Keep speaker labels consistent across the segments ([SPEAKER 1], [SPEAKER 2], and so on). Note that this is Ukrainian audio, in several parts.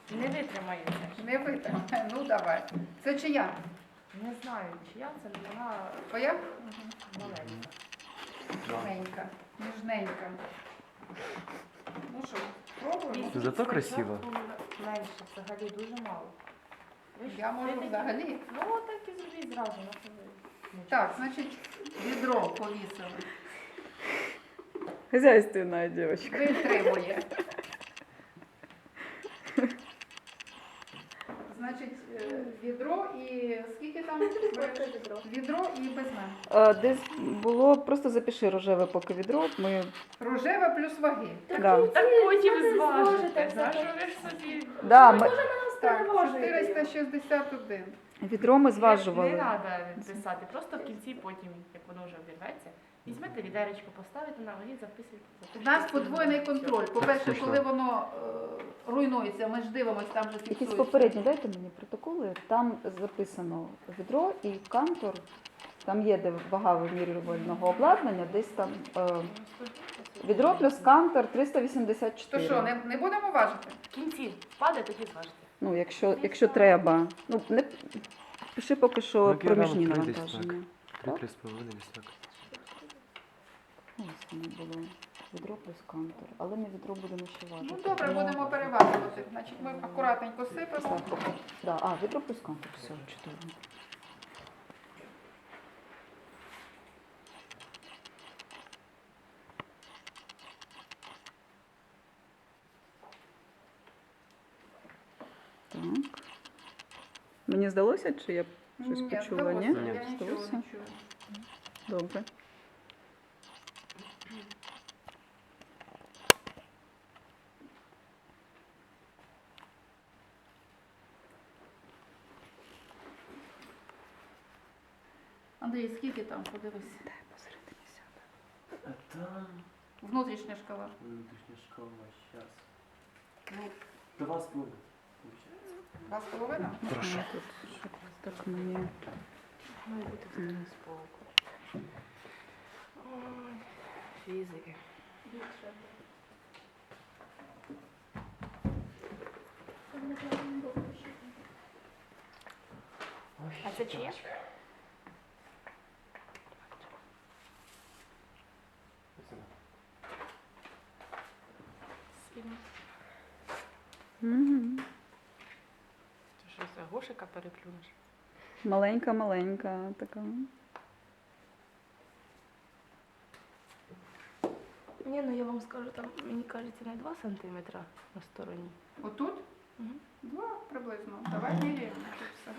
[SPEAKER 1] Не витримає це.
[SPEAKER 2] Не витримає. Ну давай. Це чия?
[SPEAKER 1] Не знаю, чия це, але вона
[SPEAKER 2] Твоя?
[SPEAKER 1] маленька.
[SPEAKER 2] Ніжненька. Ніжненька. Ну що, пробуємо?
[SPEAKER 1] Візьміть
[SPEAKER 3] Зато
[SPEAKER 1] спочатку
[SPEAKER 3] красиво.
[SPEAKER 1] Менше, взагалі дуже мало. Ви ж
[SPEAKER 2] Я можу
[SPEAKER 1] такі-
[SPEAKER 2] взагалі.
[SPEAKER 1] Ну, так і зробіть зразу. на собі.
[SPEAKER 2] Так, значить, відро повісили.
[SPEAKER 4] Хозяйственная девочка.
[SPEAKER 2] Витримує. Значить, відро і скільки там? Відро і без мене.
[SPEAKER 4] Десь було, просто запиши рожеве поки відро. Ми,
[SPEAKER 2] Рожеве плюс ваги.
[SPEAKER 4] да.
[SPEAKER 1] Так потім
[SPEAKER 5] Це не
[SPEAKER 1] зважите.
[SPEAKER 5] зважите,
[SPEAKER 1] За
[SPEAKER 5] це
[SPEAKER 1] що ви ж собі?
[SPEAKER 4] Да, ми,
[SPEAKER 2] Так, 461.
[SPEAKER 4] відро ми
[SPEAKER 1] Не
[SPEAKER 4] зважували.
[SPEAKER 1] треба писати, просто в кінці потім, як воно вже обірветься, візьмете відеречко, поставите на ваги, записуйте.
[SPEAKER 2] У нас подвойний контроль. По-перше,
[SPEAKER 3] Смішно.
[SPEAKER 2] коли воно руйнується, ми ж дивимося, там же
[SPEAKER 4] Якісь
[SPEAKER 2] фіксується.
[SPEAKER 4] попередні, дайте мені протоколи. Там записано відро і кантор. Там є де вага вимірювального обладнання, десь там відро плюс кантор
[SPEAKER 2] То
[SPEAKER 4] 384.
[SPEAKER 2] що, не будемо важити?
[SPEAKER 1] В кінці впаде, тоді зважите.
[SPEAKER 4] Ну, якщо треба. Ну, не пиши поки що
[SPEAKER 3] Ну,
[SPEAKER 4] проміжні
[SPEAKER 3] кілограм три десь
[SPEAKER 4] навантаження.
[SPEAKER 3] 3,5 десь так.
[SPEAKER 4] Ось воно було. Відро плюс кантор. Але не відро будемо ще важити.
[SPEAKER 2] Ну добре,
[SPEAKER 4] Тому-
[SPEAKER 2] будемо переважувати. Значить, ми акуратненько сипемо.
[SPEAKER 4] Так, да. Відро плюс кантор. Все, чудово. Так. Мені здалося, чи я щось
[SPEAKER 2] Ні,
[SPEAKER 4] почула, ні?
[SPEAKER 2] здалося, я нічого
[SPEAKER 4] Здалося?
[SPEAKER 2] не чую.
[SPEAKER 4] Добре.
[SPEAKER 2] Андрій, скільки там, подивись.
[SPEAKER 4] Дай посередині сяду.
[SPEAKER 3] А там
[SPEAKER 2] Внутрішня шкала.
[SPEAKER 3] внутрішня школа, зараз.
[SPEAKER 2] Ну,
[SPEAKER 3] 2,5.
[SPEAKER 2] 2,5?
[SPEAKER 3] Прошу.
[SPEAKER 4] Тут щоб так мені.
[SPEAKER 1] Має бути в споку. Фізики. А це чиє? Сильно.
[SPEAKER 4] Мгм.
[SPEAKER 1] Ти що, це гошика переплюнеш?
[SPEAKER 4] Маленька така.
[SPEAKER 1] Ні, ну я вам скажу, там, мені кажеться, не 2 сантиметра на стороні.
[SPEAKER 2] Отут?
[SPEAKER 1] Угу.
[SPEAKER 2] 2 приблизно. Давай міряємо. Тут все.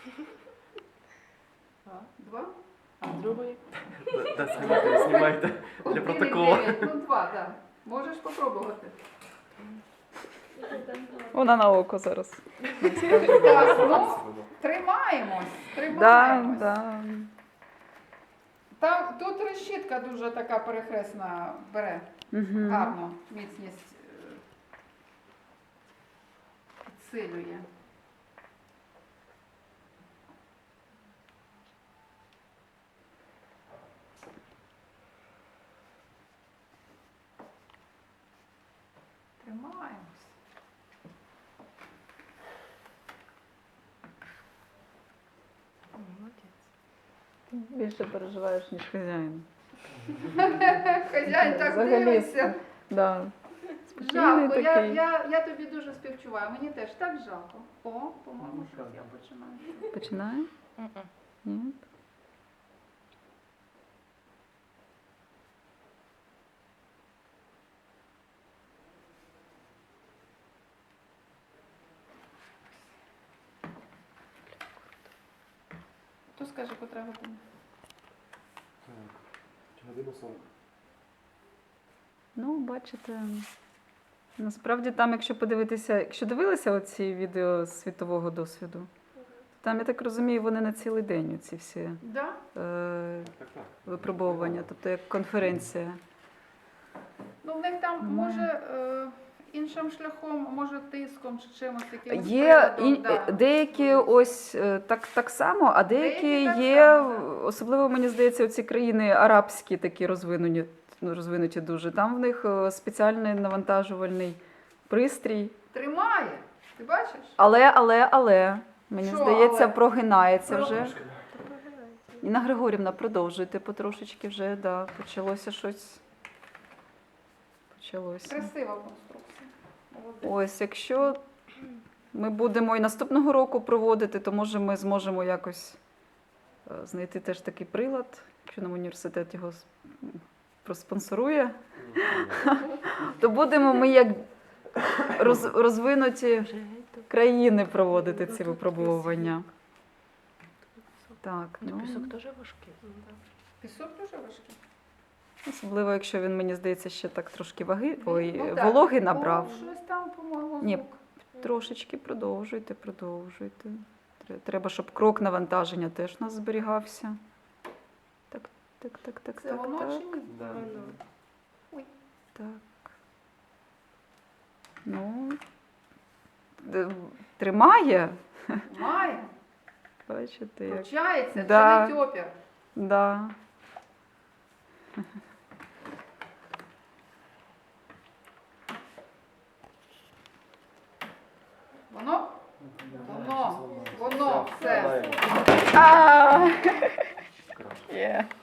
[SPEAKER 2] 2?
[SPEAKER 1] А з другої?
[SPEAKER 3] Да, знімайте для протоколу.
[SPEAKER 2] Ну 2, так. Можеш спробувати.
[SPEAKER 4] Вона на око зараз.
[SPEAKER 2] Так, ну, тримаємось.
[SPEAKER 4] Да,
[SPEAKER 2] Тримаємось.
[SPEAKER 4] да.
[SPEAKER 2] Там, тут решітка дуже така перехресна бере.
[SPEAKER 4] Угу.
[SPEAKER 2] Гарно міцність підсилює. Тримаємось.
[SPEAKER 1] Молодець.
[SPEAKER 4] Більше переживаєш, ніж хазяїн.
[SPEAKER 2] Хазяїн так
[SPEAKER 4] Взагалі,
[SPEAKER 2] дивиться.
[SPEAKER 4] Да. Спокійний
[SPEAKER 2] Жалко,
[SPEAKER 4] такий.
[SPEAKER 2] я тобі дуже співчуваю. Мені теж так жалко. О, по-моєму, щось я починаю.
[SPEAKER 4] Починає? Ні.
[SPEAKER 2] Хто скаже, котра година?
[SPEAKER 3] Година 40.
[SPEAKER 4] Ну, бачите, насправді там, якщо подивитися, якщо дивилися оці відео з світового досвіду, там, я так розумію, вони на цілий день, оці всі
[SPEAKER 2] Да?
[SPEAKER 3] Так.
[SPEAKER 4] випробовування, тобто як конференція.
[SPEAKER 2] Ну, в них там,
[SPEAKER 4] Ну.
[SPEAKER 2] може, іншим шляхом, може, тиском чи чимось якимось
[SPEAKER 4] Є
[SPEAKER 2] приводом, да.
[SPEAKER 4] деякі ось так само, а деякі
[SPEAKER 2] Деякі так
[SPEAKER 4] є,
[SPEAKER 2] само,
[SPEAKER 4] особливо, мені здається, оці країни арабські такі розвинуті дуже. Там в них спеціальний навантажувальний пристрій.
[SPEAKER 2] Тримає. Ти бачиш?
[SPEAKER 4] Але, мені
[SPEAKER 2] Що
[SPEAKER 4] здається,
[SPEAKER 2] але?
[SPEAKER 4] прогинається вже. Інна Григорівна, продовжуйте потрошечки вже, да, почалося щось. Почалося.
[SPEAKER 2] Красива конструкція. Молодець.
[SPEAKER 4] Ось, якщо ми будемо і наступного року проводити, то може ми зможемо якось знайти теж такий прилад, якщо нам університет його проспонсорує, то будемо ми як розвинуті країни проводити ці випробовування. Так, ну,
[SPEAKER 1] Пісок теж важкий.
[SPEAKER 2] Пісок дуже важкий.
[SPEAKER 4] особливо, якщо він, мені здається, ще так трошки вологи
[SPEAKER 2] так.
[SPEAKER 4] набрав.
[SPEAKER 2] О, щось там, по-моєму,
[SPEAKER 4] Ні.
[SPEAKER 2] звук.
[SPEAKER 4] Трошечки продовжуйте. Треба, щоб крок навантаження теж у нас зберігався. Так.
[SPEAKER 2] Це воно чи ні?
[SPEAKER 3] Да.
[SPEAKER 4] Так. Ну, тримає.
[SPEAKER 2] Має.
[SPEAKER 4] Бачите, як.
[SPEAKER 2] Включається,
[SPEAKER 4] Да.
[SPEAKER 2] це не тьопір.
[SPEAKER 4] Да.
[SPEAKER 2] Воно, все.
[SPEAKER 4] А!
[SPEAKER 3] Краще.
[SPEAKER 4] Є.